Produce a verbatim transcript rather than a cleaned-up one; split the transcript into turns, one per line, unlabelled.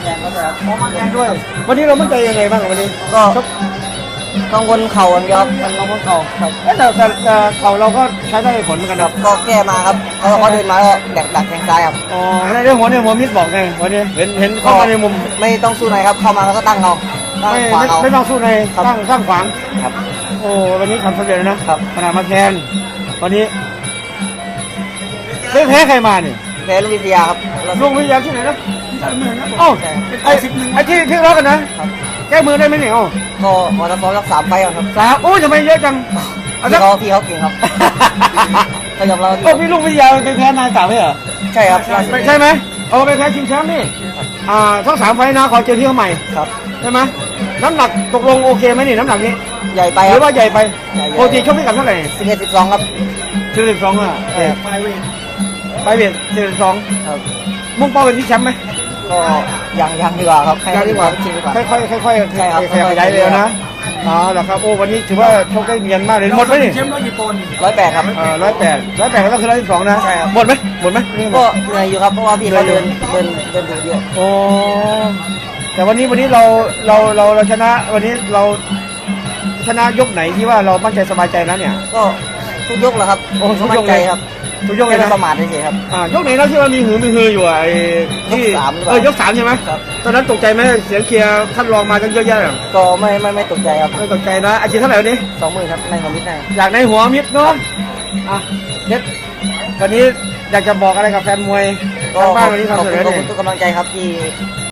แรงก็จะ
มองมันแรงด้วย วันนี้เรามั่นใจยังไงบ้างวันนี้
ก็กังวลเข่าอย่างเดียวครับ
มันเราก็เข่าครับเอ๊ะแต่แต่แต่เข่าเราก็ใช้ได้ผลเหมือนกัน
ค
ค
รั
รั
บบ ก็แก้มาครับเขาเขาเดินมาก็ดักดักแทงซ้ายครับ
อ๋อในเรื่องหัวเนี่ยหัวมิดบอกไงวันนี้เห็นเห็นเข้ามาในมุม
ไม่ต้องสู้ในครับเข้ามาแล้วก็ตั้งเอาตั้ง
ไม่
ขวา
ไม่
เอา
ไม่ต้องสู้ใน
ครับ
ตั้งตั้งขวาง
ครับ
โอ้วันนี้ทำสำเร็จแล้วนะครับ ขนาดมาแทนวันนี้ไม่แพ้ใครมาเนี่ย
แพ้ลูกวิทยาครับแล้ว
ลุงวิทยาที่ไหนนะเอ้าไอ้ไอ้ที่ที่รักกันนะแก้มือได้ไหมเนี่ยเอ้า
ก็มอเตอร์ฟอร์สักสามไฟล์ครับ
สามโอ้ยทำไมเยอะจังเอา
พี่
สัก
เขาพี่เขาเก่งครับก็ยอมรับ
โอ้พี่ลุงวิทยาไปแพ้นายสามไหมเหรอ
ใช่ครับล่าสุด
ใช่ไหมเอาไปแพ้ชิงแชมป์นี่อ่าทั้งสามไฟล์นะขอเจอที่เขาใหม่
ครับ
ใช่ไหมน้ำหนักตกลงโอเคไหมนี่น้ำหนักนี้
ใหญ่ไป
ห
ค
รื
รั
อบ ว่าใหญ่ไป
ใหญ่ๆ
ปกติชกพิกัดเท่าไหร่
สิบเอ็ดสิบสองครับ
สี่สิบสองอ่ะ
ใช่ครับ
ไปเบียดสี่สิบสอง
ครับ
มุ่งเป้าเป็นที่แชมป์ไหม
ก็ยังยังดีกว่าครับให้
ยังดีกว่า
ชิงดีกว่า
ค่อยๆค่อยๆ
ใช่ครับ
ขยับขยายเร็วนะอ๋อเหรอครับโอ้วันนี้ถือว่าโชคได้เงียนมากเลยหมดไหมนี่
ร้อยแปดครับ
เออร้อยแปดร้อยแปดก็ต้องคือร้อยสิบสองนะ
ใช่ครับ
หมดไหมหมดไหม
ก็เหนื่อยอยู่ครับเพราะว่าพี่เขาเดินเดินเดินดูเยอะ
โอ้แต่วันนี้วันนี้เราเราเราเราชนะ วันนี้เราชนะยกไหนที่ว่าเรามั่นใจสบายใจนะเนี่ย
ก็ทุกยกแหละครับ
โอ้ทุกยก
มั่นใจครับ
ทุกยกเลย
ไม่
นะ
ประมาทเฉยๆครับ
อ่ายกไหนแล้วที่ว่ามีหือมีฮืออยู่อ่ะไอ้ที่
ยกสามหรือเปล่า
เออยกสามใช่ไหม
ครับ
ตอนนั้นตกใจไหมเสียงเชียร์ท่านรองมาตั้งเยอะแยะอะ
ก็ไม่ไม่ไม่ตกใจครับ
ไม่ตกใจนะอาชีพเท่าไหร่วันนี้
สองหมื่นครับในความคิดได้
อยากในหัวมิดเนาะอ่ะเน็ตวันนี้อยากจะบอกอะไรกับแฟนมวย
ก็
ทาง
ข
บ้า
อน บ
วันนี้
ขอบ
ทำเส
คุ
ร็จ
ณ
แล้ว
ขอบ
เนี่
คุณ
ย
ทุกกำลังใจครับที่